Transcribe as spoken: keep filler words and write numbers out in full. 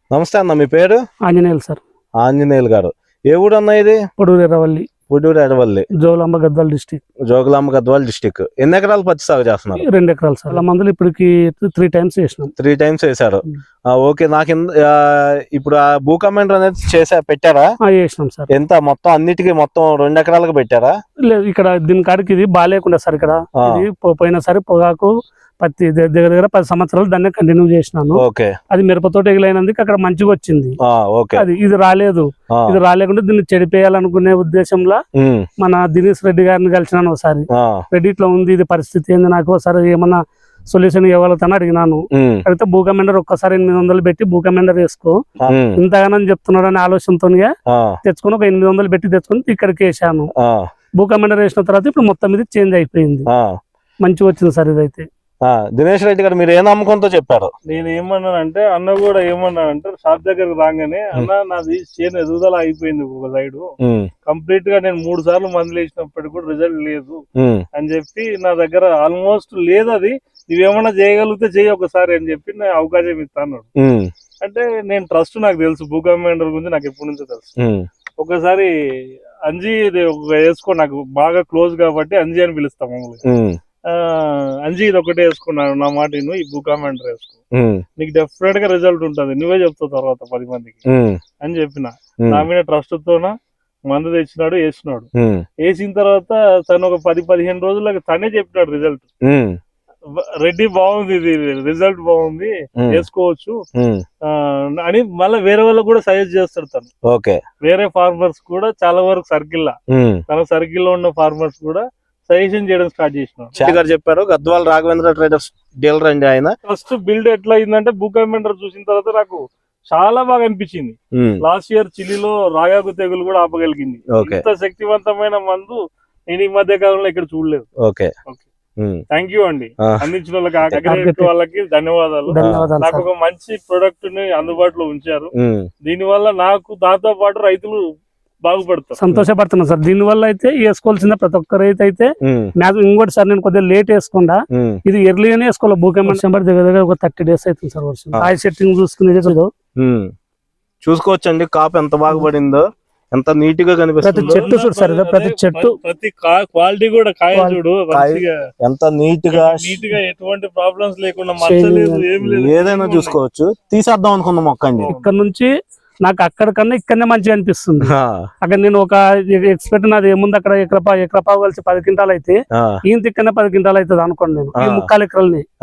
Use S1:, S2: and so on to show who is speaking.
S1: నమస్తే అన్న, మీ పేరు?
S2: ఆంజనేయులు సార్.
S1: ఆంజనేయులు గారు, ఏ ఊరు అన్న ఇది?
S2: పొడూరు ఎర్రవల్లి,
S1: పొడూరు ఎర్రవల్లి,
S2: జోగులాంబ గద్వాల డిస్టిక్.
S1: జోగులాంబ గద్వాల డిస్టిక్. ఎన్ని ఎకరాలు పత్తి సాగు చేస్తున్నారు?
S2: రెండు ఎకరాలు సార్. అలా మందులు ఇప్పటికి త్రీ టైమ్స్ వేసినాం.
S1: త్రీ టైమ్స్ వేసారు. ఓకే, నాకు ఇప్పుడు ఆ భూ కమెండర్ అనేది చేసా పెట్టారా?
S2: వేసినాం సార్.
S1: ఎంత మొత్తం అన్నిటికీ మొత్తం రెండు ఎకరాలకు పెట్టారా?
S2: లేదు, ఇక్కడ దీని కాడికి ఇది బాగాలేకుండా సార్. ఇక్కడ ఇది పోయిన సారి పొగాకు పత్తి దగ్గర దగ్గర పది సంవత్సరాలు దాన్ని కంటిన్యూ చేసినాను. అది మిరపతోట ఎగిలైనందుకు అక్కడ మంచిగా వచ్చింది. అది ఇది రాలేదు. ఇది రాలేకుండా దీన్ని చెడిపేయాలనుకునే ఉద్దేశంలో మన దినేష్ రెడ్డి గారిని కలిసినాను ఒకసారి. రెడ్డి ఇట్లా ఉంది, ఇది పరిస్థితి ఏంది, నాకు ఒకసారి ఏమన్నా సొల్యూషన్ ఇవ్వగలుగుతాను అడిగినాను. అడిగితే భూ కమెండర్ ఒక్కసారి ఎనిమిది వందలు పెట్టి భూ కమెండర్ వేసుకో, ఇంతగానని చెప్తున్నాడు అనే ఆలోచనతో తెచ్చుకుని ఒక ఎనిమిది వందలు పెట్టి తెచ్చుకుని ఇక్కడికి వేసాను. భూ కమెండర్ వేసిన తర్వాత ఇప్పుడు మొత్తం ఇది చేంజ్ అయిపోయింది, మంచిగా వచ్చింది సార్. ఇదైతే
S1: దినేష్ రెడ్డి గారు మీరు ఏ నమ్మకంతో చెప్పారు?
S3: నేను ఏమన్నానంటే, అన్న కూడా ఏమన్నానంటే షాప్ దగ్గరకు రాగానే, అన్న నాది చేను ఎదుగుదల అయిపోయింది ఒక సైడ్ కంప్లీట్ గా, నేను మూడు సార్లు మందులు వేసినప్పటికీ కూడా రిజల్ట్ లేదు అని చెప్పి, నా దగ్గర ఆల్మోస్ట్ లేదు, అది నువ్వేమన్నా చేయగలిగితే చెయ్యి ఒకసారి అని చెప్పి నేను అవకాశం ఇస్తాను. అంటే నేను ట్రస్ట్ నాకు తెలుసు, భూ కమెండర్ గురించి నాకు ఎప్పటి నుంచో తెలుసు. ఒకసారి అంజీ వేసుకో, నాకు బాగా క్లోజ్ కాబట్టి అంజీ అని పిలుస్తాం మమ్మల్ని. అంజీ ఇది ఒకటే వేసుకున్నాను, నా మాట నువ్వు ఈ భూ కమెండర్ వేసుకో, నీకు డెఫినెట్ గా రిజల్ట్ ఉంటుంది, నువ్వే చెప్తావు తర్వాత పది మందికి అని చెప్పిన. నా మీద ట్రస్ట్ తోన మందు తెచ్చినాడు, వేసినాడు. వేసిన తర్వాత తను ఒక పది పదిహేను రోజులకు తనే చెప్పినాడు రిజల్ట్. రెడ్డి బాగుంది, ఇది రిజల్ట్ బాగుంది, వేసుకోవచ్చు అని మళ్ళీ వేరే వాళ్ళకి కూడా సజెస్ట్ చేస్తాడు తను. వేరే ఫార్మర్స్ కూడా చాలా వరకు సర్కిల్ తన సర్కిల్ లో ఉన్న ఫార్మర్స్ కూడా సజెషన్ చేయడం స్టార్ట్ చేసినాం.
S1: చెప్పారు గద్వాల రాఘవేంద్ర ట్రేడర్స్ డీలర్ అండి ఆయన.
S3: ఫస్ట్ బిల్డ్ ఎట్లా అయిందంటే, భూ కమెండర్ చూసిన తర్వాత నాకు చాలా బాగా అనిపించింది. లాస్ట్ ఇయర్ చిలీలో రాగాకు తెగులు కూడా ఆపగలిగింది. ఇంత శక్తివంతమైన మందు నేను ఈ మధ్య కాలంలో ఇక్కడ చూడలేదు.
S1: ఓకే,
S3: థ్యాంక్ యూ అండి, అందించిన వాళ్ళకి వాళ్ళకి ధన్యవాదాలు. నాకు ఒక మంచి ప్రొడక్ట్ ని అందుబాటులో ఉంచారు. దీని వల్ల నాకు దాంతో పాటు రైతులు బాగుపడతారు,
S2: సంతోషపడుతున్నారు సార్. దీని వల్ల అయితే వేసుకోవాల్సిన ప్రతి ఒక్క రైతు అయితే ఇంకోటి సార్, నేను కొద్దిగా లేట్ వేసుకుండా ఇది ఎర్లీగానే వేసుకోవాలి. భూ కమెండర్ దగ్గర దగ్గర ఒక థర్టీ డేస్ అవుతుంది సార్. వర్షం ఆయి సెట్టింగ్ చూసుకునేది
S1: చూసుకోవచ్చండి. కాపు ఎంత బాగుపడిందో, ఎంత నీట్ గా కనిపిస్తుంది.
S2: ప్రతి చెట్టు చూడు సార్, ప్రతి చెట్టు
S3: ప్రతి క్వాలిటీ కూడా కాయ చూడు
S1: ఎంత నీట్ గా
S3: నీట్ గా, ఎటువంటి ప్రాబ్లమ్స్ లేకుండా, మచ్చలేదు ఏం లేదు,
S1: ఏదైనా చూసుకోవచ్చు. తీసేద్దాం అనుకున్న మొక్క అండి.
S2: ఇక్కడ నుంచి నాకు అక్కడ కన్నా ఇక్కడనే మంచిగా అనిపిస్తుంది. అక్కడ నేను ఒక ఎక్స్పెక్ట్ నాది ఏముంది, అక్కడ ఎకరపా ఎకరపా కలిసి పది క్వింటాలు అయితే ఈయన ఇక్కడనే పది క్వింటాలు అవుతుంది అనుకోండి. నేను ఈ ముక్కాలు ఎకరాలని